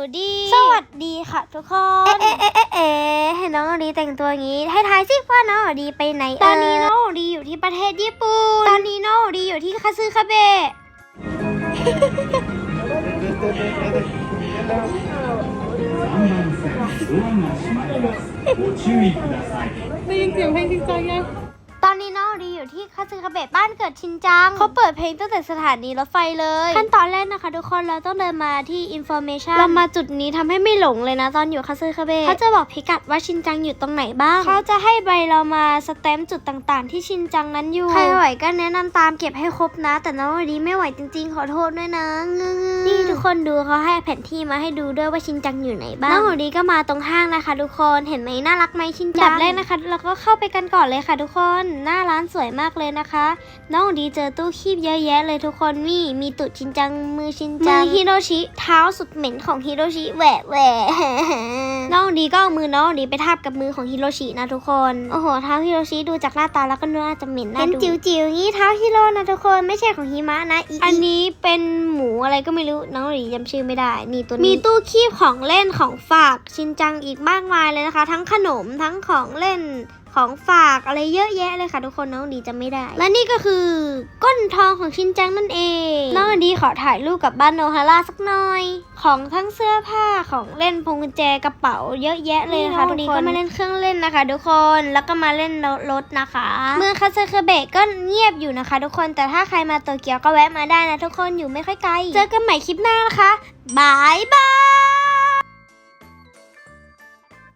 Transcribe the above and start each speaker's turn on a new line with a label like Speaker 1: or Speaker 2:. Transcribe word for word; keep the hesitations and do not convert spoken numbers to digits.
Speaker 1: ดีสวัสดีค่ะทุกคนเอ๊ะเอ๊ะเอ๊ะเอ๊ะเห็นน้องดีแต่งตัวอย่างนี้ให้ทายสิว่าน้องดีไปไหนตอนนี้น้องดีอยู่ที่ประเทศญี่ปุ่นตอนนี้น้องดีอยู่ที่คาซึคาเบะ
Speaker 2: ได้ยินเสียงเพลงจริงจังยัง
Speaker 1: ตอนนี้น้องดีอยู่ที่คาซึคาเบะบ้านเกิดชินจังเขาเปิดเพลงตั้งแต่สถานีรถไฟเลยขั้นตอนแรกนะคะทุกคนเราต้องเดินมาที่ information เรามาจุดนี้ทำให้ไม่หลงเลยนะตอนอยู่คาซึคาเบะเขาจะบอกพิกัดว่าชินจังอยู่ตรงไหนบ้างเขาจะให้ใบเรามาสแตมป์จุดต่างๆที่ชินจังนั้นอยู่ใครไหวก็แนะนำตามเก็บให้ครบนะแต่น้องดีไม่ไหวจริงๆขอโทษด้วยนะนี่ทุกคนดูเขาให้แผนที่มาให้ดูด้วยว่าชินจังอยู่ไหนบ้างน้องดีก็มาตรงห้างนะคะทุกคนเห็นไหมน่ารักไหมชินจังแบบแรกนะคะเราก็เข้าไปกันก่อนเลยค่ะทุกคนหน้าร้านสวยมากเลยนะคะน้องดีเจอตู้คีบเยอะแยะเลยทุกคนมีมีตุดชินจังมือชินจังมือฮิโรชิเท้าสุดเหม็นของฮิโรชิแหวะแหวะน้องดีก็เอามือน้องดีไปทาบกับมือของฮิโรชินะทุกคนโอ้โหเท้าฮิโรชิดูจากหน้าตาแล้วก็น่าจะเหม็นน่าดูเป็นจิ๋วๆงี้เท้าฮิโรนะทุกคนไม่ใช่ของฮิมะนะอันนี้เป็นหมูอะไรก็ไม่รู้น้องดีจำชื่อไม่ได้นี่ตัวนี้มีตู้คีบของเล่นของฝากชินจังอีกมากมายเลยนะคะทั้งขนมทั้งของเล่นของฝากอะไรเยอะแยะเลยค่ะทุกคนน้องดีจำไม่ได้และนี่ก็คือก้นทองของชินจังนั่นเองน้องดีขอถ่ายรูปกับบ้านโนฮาร่าสักหน่อยของทั้งเสื้อผ้าของเล่นพวงกุญแจกระเป๋าเยอะแยะเลยค่ะทุกคนก็มาเล่นเครื่องเล่นนะคะทุกคนแล้วก็มาเล่นรถนะคะเมืองคาซึคาเบะก็เงียบอยู่นะคะทุกคนแต่ถ้าใครมาโตเกียวก็แวะมาได้นะทุกคนอยู่ไม่ค่อยไกลเจอกันใหม่คลิปหน้านะคะบายบาย